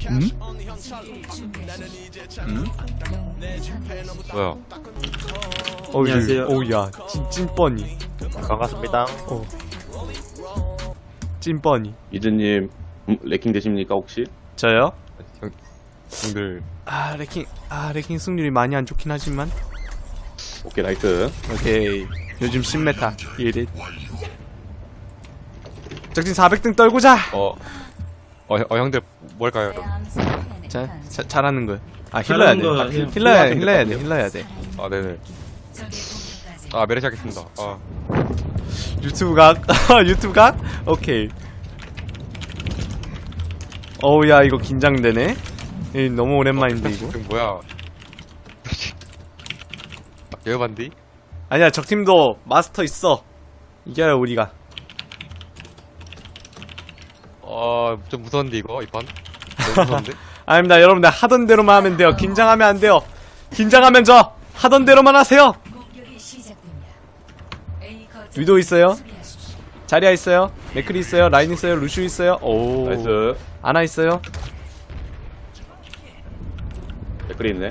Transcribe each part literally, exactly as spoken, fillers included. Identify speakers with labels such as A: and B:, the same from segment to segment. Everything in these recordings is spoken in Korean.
A: 음? 음?
B: 뭐야?
A: 안녕하세요. 오우야, 찐, 찐뻔이.
C: 반갑습니다.
A: 어. 찐뻔이.
D: 이즈님 음, 레킹 되십니까 혹시?
A: 저요?
B: 형, 형들
A: 아, 레킹, 아, 레킹 승률이 많이 안 좋긴 하지만.
D: 오케이 나이스.
A: 오케이. 요즘 십 메타. 일 일. 적진 사백 등 떨구자!
B: 어, 어, 어 형들 뭘까요?
A: 자, 자, 잘하는 거야. 아, 힐러야 돼.
E: 잘하는
A: 아,
E: 거
A: 힐-
E: 해요.
A: 힐러야, 힐러야 돼, 힐러야 돼.
B: 아 네네. 아 메르시 하겠습니다. 아
A: 유튜브 각? 유튜브 각? 오케이. 어우, 야, 이거 긴장되네? 이 너무 오랜만인데, 이거?
B: 지금 뭐야? 개반디?
A: 아니야, 적팀도 마스터 있어. 이겨요, 우리가.
B: 아좀 무서운데 이거 이 판? 너무 무서운데?
A: 아닙니다, 여러분들 하던 대로만 하면 돼요. 긴장하면 안 돼요. 긴장하면 저 하던 대로만 하세요. 위도 있어요. 자리아 있어요. 맥크리 있어요. 라인 있어요. 루슈 있어요. 오.
D: 나이스.
A: 아나 있어요.
D: 댓글이 있네.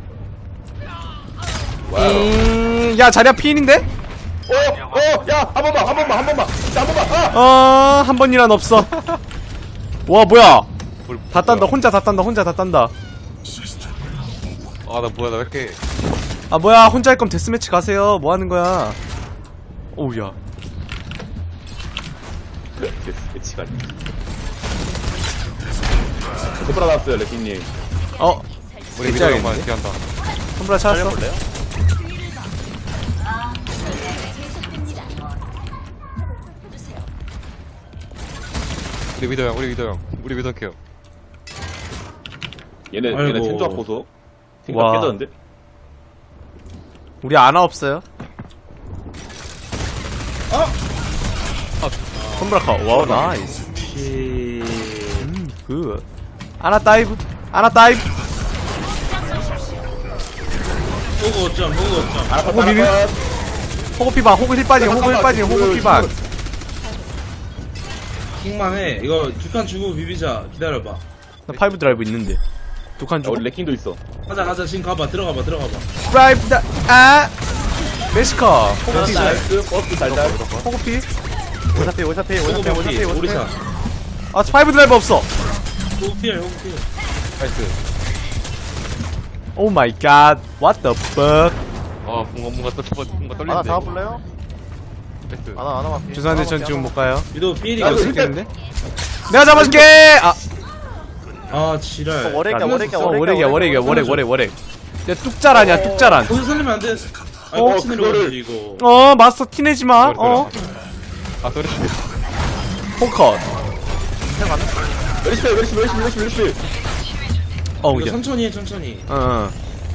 D: 와우.
A: 음, 야, 자리아 피인인데?
D: 어, 어, 야, 한 번만, 한 번만, 한 번만, 진짜 한 번만. 아!
A: 어, 한 번이란 없어. 와, 뭐야? 다 딴다. 혼자 다 딴다. 혼자 다 딴다.
B: 아 나 뭐야 나 왜 이렇게
A: 아, 뭐야? 혼자 할 거면 데스매치 가세요. 뭐 하는 거야? 오우야.
D: 매치가. 손브라 나왔어요 레킹님.
A: 어,
B: 우리
A: 진짜
B: 미드만
A: 알겠는데?
B: 피한다.
A: 손브라 찾았어.
B: 우리 미드 형, 우리 미드 형, 우리 미드 케어.
D: 얘네
E: 아이고.
D: 얘네 텐조합 보소. 생각
A: 와.
D: 깨졌는데?
A: 우리 아나 없어요. 어? 손브라 커. 와우, 나이스. 음, 굿. 아나 다이브. 아나 다이브.
E: 호구 어쩜 호구 어쩜.
D: 아,
A: 호구 비비. 호구 피방. 호구 힐 빠지게. 호구 힐 빠지게. 호구 피방.
E: 킹만해. 이거 두 칸 주고 비비자. 기다려봐.
A: 나 파이브 드라이브 있는데. 두 칸
D: 야,
A: 주고.
D: 우리 레킹도 있어.
E: 가자 가자 지금 가봐 들어가봐 들어가봐.
A: 드라이브 다. 아. 메시커. 호구 피.
D: 나이스. 버스 달달.
A: 호구 피.
C: 오사피 오사피
E: 호구
C: 오사피 오사피
E: 비비 오리사.
C: 오사피.
A: 아, 파이브 드라이브 없어.
E: 호구 피해 호구 피해.
B: 나이스.
A: 오 마이 갓. What the fuck.
B: 아 뭔가 뭔가 또 뭔가 뭔가 떨리는데.
C: 하나 잡아볼래요?
B: 나이스.
C: 하나 하나만 피.
A: 죄송한데 전 지금 못 가요.
E: 유도
D: 나도
E: 피해리거든.
A: 죽겠는데? 내가 잡아줄게. 아.
E: 아 지랄.
C: 월액이야 월액이야
A: 어, 월액이야, 월액이야, 월액, 월액, 월액. 야, 뚝자라냐, 뚝자란.
E: 거기서 살리면 안 돼. 아
D: 어,
E: 같이 내려가지
D: 그거를-
E: 이거.
A: 어, 마스터 티내지 마. 어,
B: 아 소리.
A: 포컷.
D: 메리시 메리시 메리시 메리시 메리시.
A: 어우,
E: 이거
A: 야.
E: 천천히 해 천천히.
A: 어, 어.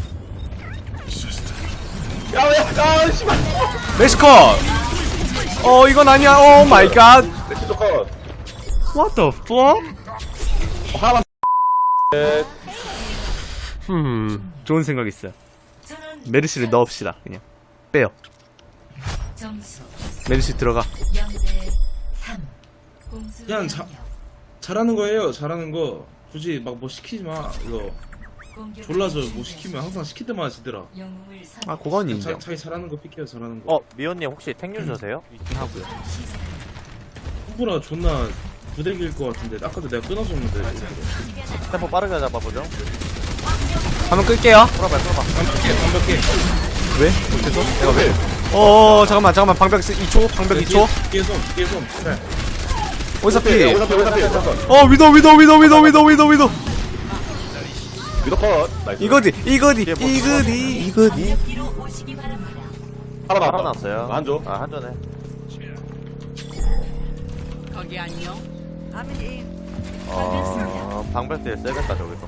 D: 야, 야, 야, 씨발.
A: 메시컷. 어, 이건 아니야. 오 마이 갓.
D: 레킹 조건.
A: What the fuck?
D: 하나만.
A: 음, 좋은 생각 있어요. 메르시를 넣읍시다. 그냥 빼요. 메르시 들어가.
E: 그냥 자, 잘하는 거예요 잘하는 거. 굳이 막 뭐 시키지 마 이거. 졸라서 뭐 시키면 항상 시킬 때마다 지더라.
A: 아, 그건
E: 자,
A: 인정.
E: 자기 잘하는 거 픽해요 잘하는 거.
C: 어 미호님 혹시 탱유저세요?
A: 하고요.
E: 후보라 존나 부대기일 것 같은데 아까도 내가 끊어줬는데.
C: 템포 빠르게 잡아보죠.
A: 한번 끌게요.
C: 풀어봐 풀어봐.
E: 완벽해 완벽해.
A: 왜? 못해서? 내가 왜? 어, 잠깐만, 잠깐만. 방벽 이 초, 방벽 이 초.
E: 뒤에 손 뒤에 손. 그래.
A: 어디서
D: 오사피,
A: 피?
D: 오사피, 오사피, 오사피.
A: 어, 위도, 위도, 위도, 위도, 위도, 위도, 위도.
D: 위도 컷. 나이스.
A: 이거디, 이거디, 이거디, 이거디.
D: 하나
C: 하나
D: 나왔다.
C: 나왔어요.
D: 안 줘.
C: 아 한전에.
F: 거기 안녕.
C: 어 방백들 세겠다 저기서.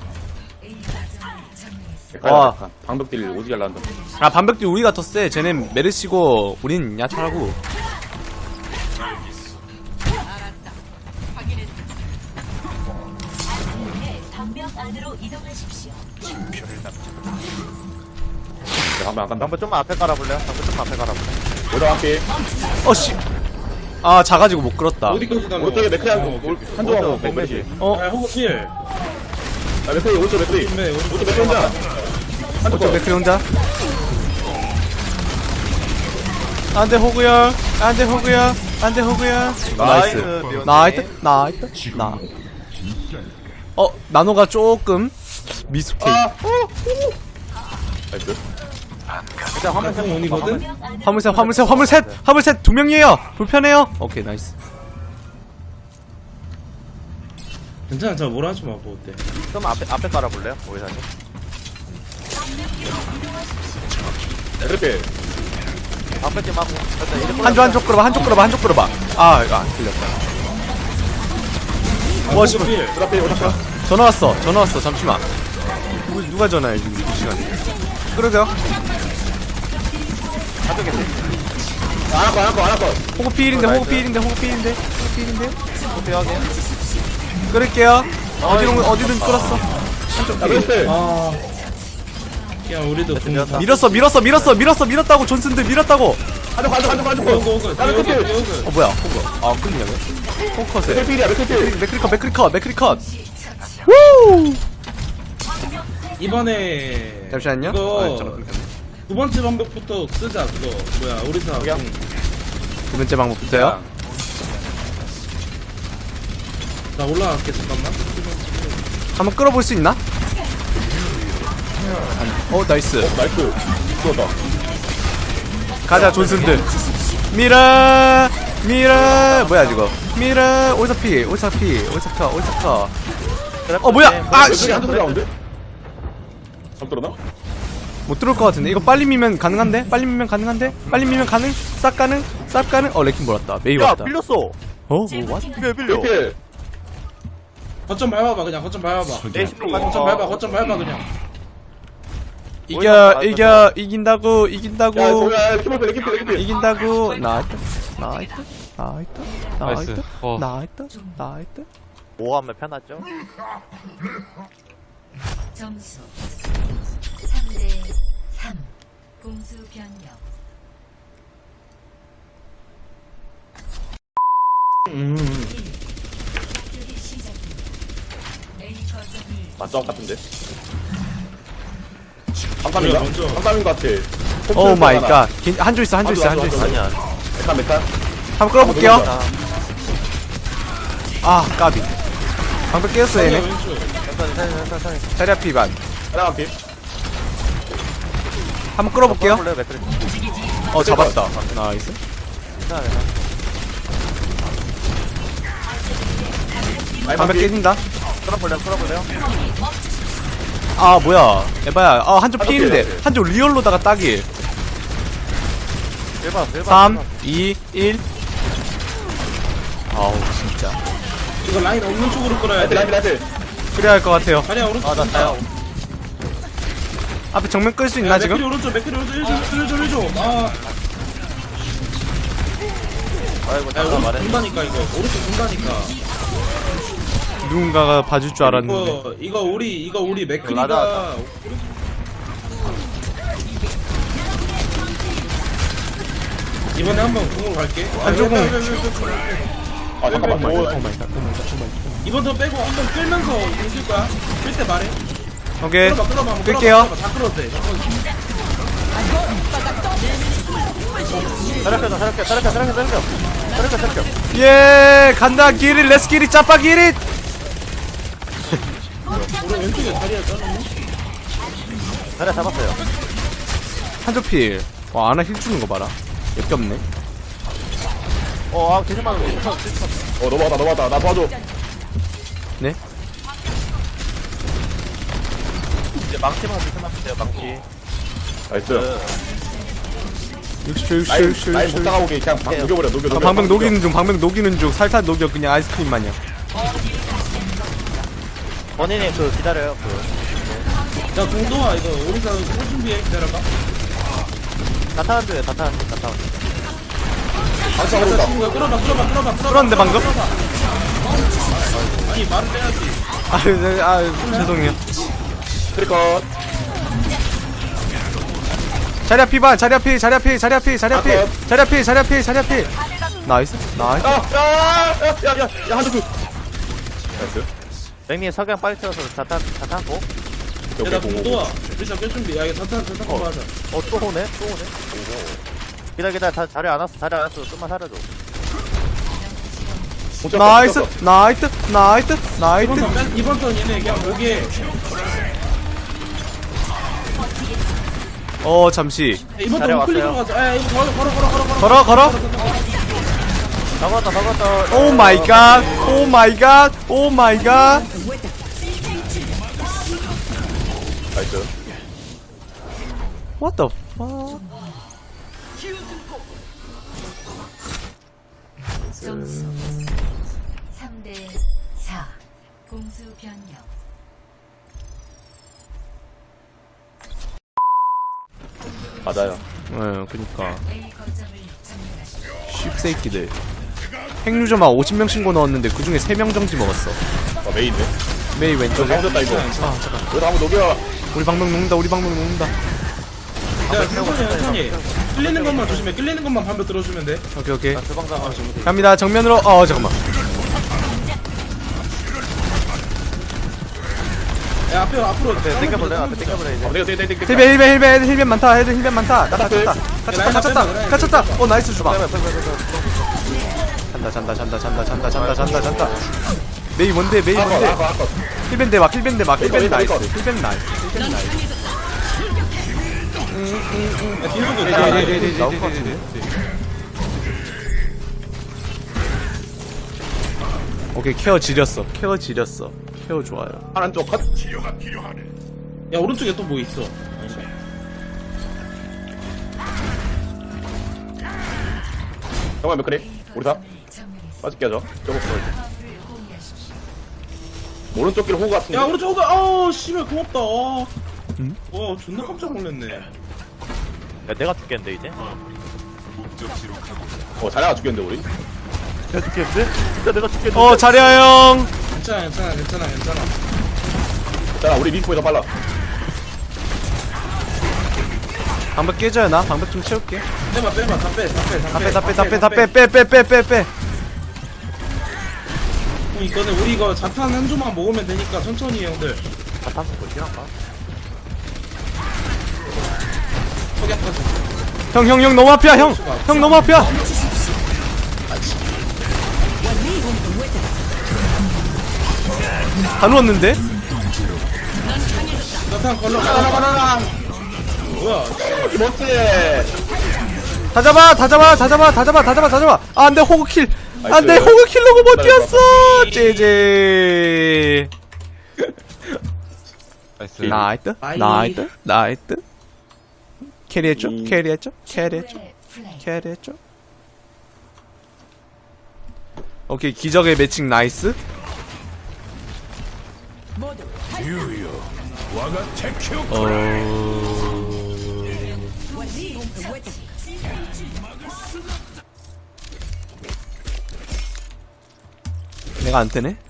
A: 와.
D: 방벽딜 오지게 날란다.
A: 아, 반벽도 우리가 더 세. 쟤넨 메르시고, 우린 야차라고.
F: 알았다. 확인했다.
G: 방벽 안으로 이동하십시오.
D: 한번 안 간다.
C: 방백 좀만 앞에 깔아볼래요? 방백 좀만 앞에 깔아볼래.
D: 오다 함께.
A: 어, 씨. 아, 작아지고 못 끌었다.
E: 어디까지 가면?
D: 오른쪽에 맥크리 한
E: 어,
D: 한조하고
C: 백메시.
D: 메리시.
A: 어,
E: 아 호구 필.
D: 아, 맥크리, 오른쪽 맥크리.
E: 네,
D: 오른쪽 맥크리 혼자. 한쪽
A: 오쪽
D: 거.
A: 맥크리 혼자. 안돼 호구야. 안돼 호구야. 안돼 호구야. 나이스.
C: 리온님.
A: 나이트. 나이트. 나. 어 나노가 조금 미숙해.
D: 아, 나이스.
C: 일단 화면
E: 형 원이거든?
A: 화물셋 화물셋 화물셋 화물셋 두 명이에요. 불편해요. 오케이 나이스.
E: 괜찮아, 저 뭐라 하지 마, 뭐 어때?
C: 좀 앞에 앞에 깔아볼래요? 오이사님.
D: 이렇게.
C: 앞에 팀하고 일단 이리
A: 한쪽 한쪽 끌어봐 한쪽 끌어봐 한쪽 끌어봐. 아 이거 안 틀렸다. 와 씨발.
D: 그 앞에 오른쪽.
A: 전화 왔어 전화 왔어 잠시만. 누구, 누가 전화해 지금 이 시간에. 그러죠.
C: 한쪽에 팀.
D: 안 할거, 안 할거, 안 할거.
A: 호구 피일인데 호구 피일인데 호구 피일인데 호구 피일인데.
C: 어떻게 하게?
A: 끌을게요. 어디로 어디든 끌었어.
D: 야, 맥크리.
E: 아. 야, 우리도 공.
C: 밀었다.
A: 밀었어 밀었어 밀었어 밀었어 밀었다고 존슨들 밀었다고.
D: 한쪽, 한쪽, 한쪽, 한쪽.
E: 오고, 오고,
D: 야, 맥크리.
E: 오고, 오고.
A: 어 뭐야 호구. 아 끌리냐고. 호컷에.
D: 맥크리야, 맥크리.
A: 맥크리 컷 맥크리 컷 맥크리 컷. 우.
E: 이번에.
A: 잠시만요.
E: 이거
A: 아, 잠깐 끊겼네.
E: 두 번째 방법부터 쓰자, 그거. 뭐야, 오리사.
C: 여기요?
E: 공.
A: 두 번째 방법부터요.
E: 나 올라갈게, 잠깐만.
A: 한번 끌어볼 수 있나? 어 나이스.
D: 나이스. 좋았다.
A: 가자 존슨들. 미라 미라 뭐야 이거. 미라 올사피 올사피 올사카 올사카. 어 뭐야? 아 씨.
D: 맥크리 한쪽 나오는데? 잘 들었나?
A: 못 들어올 것 같은데. 이거 빨리 미면 가능한데? 빨리 미면 가능한데? 빨리 미면 가능? 싹 가능? 싹 가능? 어 레킹 몰았다. 메이
C: 야
A: 왔다.
C: 빌렸어.
A: 어? 뭐 왓?
C: 이게 빌려.
D: 이렇게.
E: 거점 밟아봐, 그냥. 거점 밟아봐.
C: 내 십으로
E: 거점 밟아, 거점 밟아, 그냥.
A: 이겨 이겨 이긴다고 이긴다고
D: 야, 뭐야, 키보드 레킹필, 레킹필.
A: 이긴다고. 나이트 나이트 나이트
B: 나이스.
A: 나이트
B: 어.
A: 나이트 나이트.
C: 오 하면 편하죠?
G: 점수 삼 대 삼. 공수 변경. 공격이 시작됩니다. A 거점을
D: 맞짱 같은데?
E: 우리가
D: 삼삼인가?
E: 먼저.
D: 삼삼인 것 같아.
A: 오 마이 갓. 한조 있어 한조 있어 한조 있어.
C: 아니야.
D: 메칸, 메칸.
A: 한번 끌어볼게요.
C: 자,
A: 아 까비. 방금 깨웠어 얘네.
E: 왼쪽.
C: 천천히 천천히 천천히.
A: 자리 앞 비반.
D: 하나 피.
A: 한번 끌어볼게요.
C: 볼래요 맥크리?
A: 어 잡았다. 나이스.
C: 괜찮아 괜찮아.
A: 방금 깨진다.
C: 끌어볼래요 끌어볼래요?
A: 아 뭐야 에바야. 아 한조
D: 한조
A: 피인데
D: 피해.
A: 한조 리얼로다가 딱일.
C: 일 번 일 번.
A: 삼 이 일. 아우 진짜
E: 이거 라인 없는 쪽으로 끌어야
D: 라이트, 라이트,
E: 돼.
D: 라이트.
A: 그래야 할 것 같아요.
E: 아니야, 오른쪽.
C: 아나 자요.
A: 앞에 정면 끌 수
E: 야,
A: 있나
E: 맥크리
A: 지금?
E: 오른쪽, 맥크리 오른쪽. 일줘, 일줘, 일줘. 아,
C: 아이고
E: 야,
C: 잠깐
E: 오른쪽
C: 말해.
E: 돈다니까, 이거. 오른쪽 돈다니까.
A: 누군가가 봐줄 줄 알았는데.
E: 이거, 이거 우리, 이거 우리
C: 라다
E: 맥크리가. 이번에 한번 공으로 갈게.
A: 한쪽 공.
D: 아, 잠깐만. 뭐,
E: 이번 턴 빼고 한번 끌면서 있을 거야. 끌 때 말해.
A: 오케이
E: 끌어봐, 끌어봐, 한번
A: 끌게요.
E: 끌어봐, 끌어봐. 다 끌어도 돼.
C: 사력해 사력해 사력해 사력해 사력해. 사력해 사력해.
A: 예 간다 기릿 렛츠 기릿 짜파 기릿.
E: 우리 왼쪽에 자리야, 짜는
C: 자리 잡았어요.
A: 한조 필. 와 아나 힐 주는 거 봐라. 역겹네.
C: 어아 계속 맞아.
D: 어, 넘어왔다, 넘어왔다. 나 도와줘.
A: 네?
C: 이제 망치만 조심하면 돼요 망치.
D: 나이스.
A: 육십 초 육십 초
D: 라인,
A: 육십 초
D: 라인 못 나가오게 그냥 방 녹여버려, 녹여,
A: 아,
D: 녹여.
A: 방벽 녹이는 중 방벽 녹이는 중 살살 녹여 그냥 아이스크림 마냥.
C: 원인이 그 기다려요 그.
E: 야, 공도아, 이거 오리사 꿀 준비해. 기다려봐.
C: 다타한 중에 다타한 중 다타한.
D: 반사
E: 자,
D: 오른다.
E: 친구야, 끌어봐, 끌어봐, 끌어봐, 끌어봐.
A: 끌었는데, 방금?
E: 끌어봐. 아니, 말을 빼야지.
A: 아유 네, 아유 죄송해요.
D: 트리컷.
A: 자리 앞 피반 자리 앞 피 자리 앞 피 자리 앞 피 자리 앞 피 자리 앞 피 자리 앞 피 자리 앞 피. 나이스 나이스.
D: 야, 야, 야, 야, 야, 야, 한쪽 그. 나이스.
C: 맹님 석양 빨리 채워서 자탄 자탄 고.
D: 여기
E: 야나
D: 공고.
E: 또 와. 일단 깰 준비. 야 이거 자탄 자탄 거 하자.
C: 어또 오네 또 오네. 기다 기다 다 자리 안 왔어 자리 안 왔어 좀만 살려줘.
A: 나이스 나이트 나이트
E: 이번
A: 나이트.
E: 턴 뺀- 이번 턴 얘네 그냥 목에
A: 어 잠시
E: 이번
C: 자리
E: 턴 클릭으로
C: 왔어요.
E: 가자. 아 이거 걸어 걸어 걸어 걸어
A: 걸어
E: 걸어.
A: 걸어.
C: 막았다 막았다.
A: 오 마이 갓. 오 마이 갓. 오 마이 갓.
D: 나이스.
A: What the fuck?
G: 점수 삼 대 사. 공수 변경.
D: 맞아요.
A: 어 그니까
G: A 거점을 점령하십시오.
A: 쉽새끼들. 핵유저만 오십 명 신고 넣었는데 그 중에 세 명 정지 먹었어.
D: 아, 메인네.
A: 메이
D: 저
A: 왼쪽에.
D: 잘못했다, 이거.
A: 아 잠깐.
D: 여기서 한번 녹여.
A: 우리 방명 녹는다. 우리 방명 녹는다.
E: 야 천천히 천천히. 끌리는 것만 조심해. 끌리는 것만 반면 들어주면 돼.
A: 오케이 오케이.
C: 나 주방 잡아 주면 돼.
A: 갑니다. 정면으로. 어 잠깐만.
E: 야 앞에 앞으로.
C: 앞에 땡겨볼래 앞에 땡겨볼래 이제.
D: 아, 내가, 내가, 내가, 내가.
A: 힐벤 힐벤 힐벤 힐벤 많다. 힐벤 힐벤 많다. 나 갇혔다. 갇혔다
E: 라인
A: 갇혔다
E: 앞에
A: 갇혔다. 어 나이스 주방.
C: 빼빼 빼빼 빼.
A: 잔다 잔다 잔다 잔다 잔다 잔다 잔다 잔다. 메이 뭔데 메이
D: 아까,
A: 뭔데.
D: 아까, 아까.
A: 힐벤 대박 힐벤 대박 힐벤
D: 이거,
A: 나이스.
D: 이거.
A: 힐벤 나이스. 힐벤 나이스.
E: 야 뒤로 도
C: 네, 네,
A: 네, 네,
C: 나올
A: 네,
C: 것
A: 네, 네,
C: 같은데.
A: 오케이 케어 지렸어. 케어 지렸어. 케어 좋아요.
D: 파란 쪽 컷.
E: 야 오른쪽에 또 뭐 있어.
D: 정말 몇 그래? 우리 다?
G: 점령했습니다.
D: 빠질게 하죠. 저거 보여.
G: 화물을 공유하십시오.
D: 오른쪽 길 호구 같은데.
E: 야 오른쪽 오가. 아우 씨발 고맙다. 와.
A: 응?
E: 와 존나 깜짝 놀랐네.
C: 야 내가 죽겠는데 이제.
D: 어, 잘해가 죽겠는데, 우리.
C: 내가 죽겠는데? 진짜 내가 죽겠는데.
A: 어 자리야 형.
E: 괜찮아 괜찮아 괜찮아 괜찮아.
D: 자, 우리 리포에서 빨라.
A: 방벽 깨져요 나. 방벽 좀 채울게.
E: 빼봐 빼봐 다 빼 다 빼 다 빼.
A: 다 빼 다 빼 다 빼 다 빼 빼 빼 빼 빼.
E: 형 이거는 우리 이거 자탄 한 조만 먹으면 되니까 천천히 형들.
C: 자탄 먹고 싫은가?
E: 석양까지.
A: 형 형 형 너무 앞이야 형. 형 너무 앞이야. 다 누웠는데?
E: 자탄 걸러 가라 가라. 뭐야?
D: 이 멋지.
A: 다 잡아 다 잡아 다 잡아 다 잡아 다 잡아 다 잡아. 아 안돼 호그킬. 안돼
D: 나이스.
A: 호그킬로고 못 뛰었어. 제제.
B: 나이스.
A: 나이트
E: 아이.
A: 나이트 나이트. 캐리했죠
D: 이.
A: 캐리했죠 캐리했죠
G: 최고의 플레이.
A: 캐리했죠. 오케이 기적의 매칭 나이스. 어... 내가 안 뜨네.